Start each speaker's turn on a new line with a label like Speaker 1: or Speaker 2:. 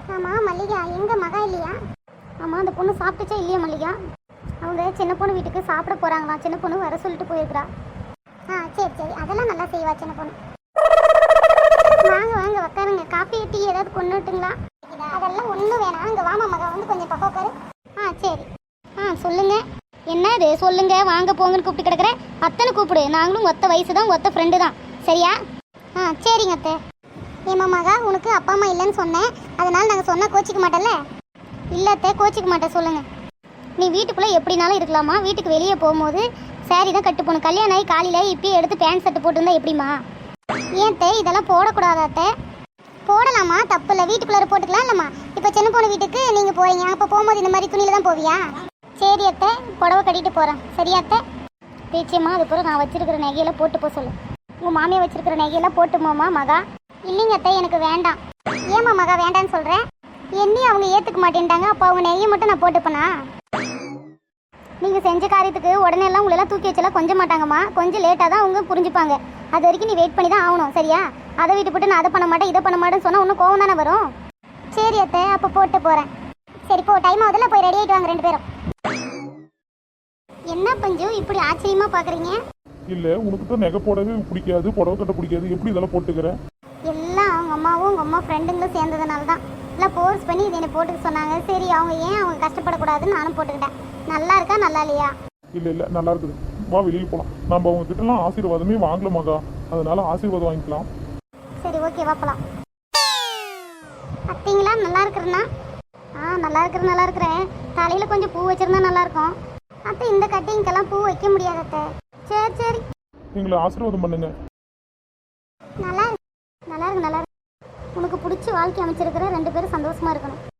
Speaker 1: ஆமாம் மல்லிகா, எங்கே மகா இல்லையா? ஆமாம், அந்த பொண்ணு சாப்பிட்டுச்சா இல்லையா மல்லிகா? அவங்க சின்ன பொண்ணு வீட்டுக்கு சாப்பிட போகிறாங்களாம். சின்ன பொண்ணு வர சொல்லிட்டு போயிருக்கிறா. சரி சரி, அதெல்லாம் நல்லா செய்வா சின்ன பொண்ணு. வாங்க வாங்க உட்காருங்க. காஃபி டீ ஏதாவது கொண்டு விட்டுங்களா? அதெல்லாம் ஒன்றும் வேணாம். அங்கே வாமா மகா, வந்து கொஞ்சம் பக்கம் உட்காரு. சரி. சொல்லுங்க. என்னது சொல்லுங்க, வாங்க போங்கன்னு கூப்பிட்டு கிடக்குற. அத்தனை கூப்பிடு, நாங்களும் ஒத்த வயசு தான், ஒத்த ஃப்ரெண்டு தான், சரியா? சரிங்க அத்தை. ஏமா மகா, உனக்கு அப்பா அம்மா இல்லைன்னு சொன்னேன், அதனால நாங்கள் சொன்னால் கோச்சிக்க மாட்டேல்ல? இல்லை அத்தை, கோச்சிக்க மாட்டேன். சொல்லுங்க. நீ வீட்டுக்குள்ளே எப்படினாலும் இருக்கலாமா, வீட்டுக்கு வெளியே போகும்போது சாரி தான் கட்டு போகணும். கல்யாணம் ஆகி காலையில் இப்பயே எடுத்து பேண்ட் ஷர்ட் போட்டுருந்தா எப்படிமா? ஏன் தே, இதெல்லாம் போடக்கூடாதா அத்தை? போடலாமா, தப்பு இல்லை. வீட்டுக்குள்ளே போட்டுக்கலாம் இல்லைம்மா. இப்போ சின்ன பொண்ணு வீட்டுக்கு நீங்கள் போகிறீங்க, அப்போ போகும்போது இந்த மாதிரி துணியில் தான் போவியா? சரி அத்தை, புடவை கட்டிட்டு போகிறேன். சரியா அத்தை? பேச்சியம்மா, அதுக்கப்புறம் நான் வச்சிருக்கிற நகையெல்லாம் போட்டு போக சொல்லு. உங்கள் மாமியை வச்சிருக்கிற நகையெல்லாம் போட்டுமோமா மகா? இல்லைங்க அத்தை, எனக்கு வேண்டாம். ஏமா மகா வேண்டான்னு சொல்கிறேன்? என்னையும் அவங்க ஏற்றுக்க மாட்டேன்ட்டாங்க. அப்போ அவங்க நகையை மட்டும் நான் போட்டுப்பேனா? நீங்கள் செஞ்ச காரியத்துக்கு உடனே எல்லாம் உங்களெல்லாம் தூக்கி வச்செல்லாம் கொஞ்சம் மாட்டாங்கம்மா. கொஞ்சம் லேட்டாக தான் அவங்க புரிஞ்சுப்பாங்க. அது வரைக்கும் நீ வெயிட் பண்ணி தான் ஆகணும், சரியா? அதை விட்டு போட்டு நான் அதை பண்ண மாட்டேன் இதை பண்ண மாட்டேன்னு சொன்னால் இன்னும் கோவம் தானே வரும். சரி அத்தை, அப்போ போட்டு போகிறேன். சரி போ, டைம் ஆகுதுல, போய் ரெடி ஆகிட்டு வாங்க ரெண்டு பேரும். என்ன பஞ்சு இப்படி ஆச்சரியமா பார்க்குறீங்க?
Speaker 2: இல்லை, உனக்கு தான் நகை போடவே பிடிக்காது, புடவை கட்ட பிடிக்காது, எப்படி இதெல்லாம் போட்டுக்கிற?
Speaker 1: எல்லாம் அவங்க அம்மாவும் உங்கள் அம்மா ஃப்ரெண்டுங்களும் சேர்ந்ததுனால தான். இல்லை ஃபோர்ஸ் பண்ணி இதை என்னை போட்டுக்க சொன்னாங்க. சரி, அவங்க ஏன் அவங்க கஷ்டப்படக்கூடாதுன்னு நானும் போட்டுக்கிட்டேன். நல்லா இருக்கா நல்லா இல்லையா?
Speaker 2: இல்லை நல்லா இருக்குது. வா வெளியே போகலாம். நம்ம அவங்க கிட்டலாம் ஆசீர்வாதமே வாங்கல மகா, அதனால ஆசீர்வாதம் வாங்கிக்கலாம்.
Speaker 1: சரி ஓகே, வாப்பலாம். பார்த்தீங்களா நல்லா இருக்கிறேன்னா? நல்லா இருக்கிறேன். தலையில் கொஞ்சம் பூ வச்சுருந்தா நல்லாயிருக்கும். அத்தை, இந்த கட்டிங்கெல்லாம் பூ வைக்க முடியாது அத்தை. சரி
Speaker 2: எங்களை ஆசீர்வாதம் பண்ணுங்க.
Speaker 1: நல்லா இருக்கு. உனக்கு பிடிச்சி வாழ்க்கை அமைச்சிருக்கிற ரெண்டு பேரும் சந்தோஷமா இருக்கணும்.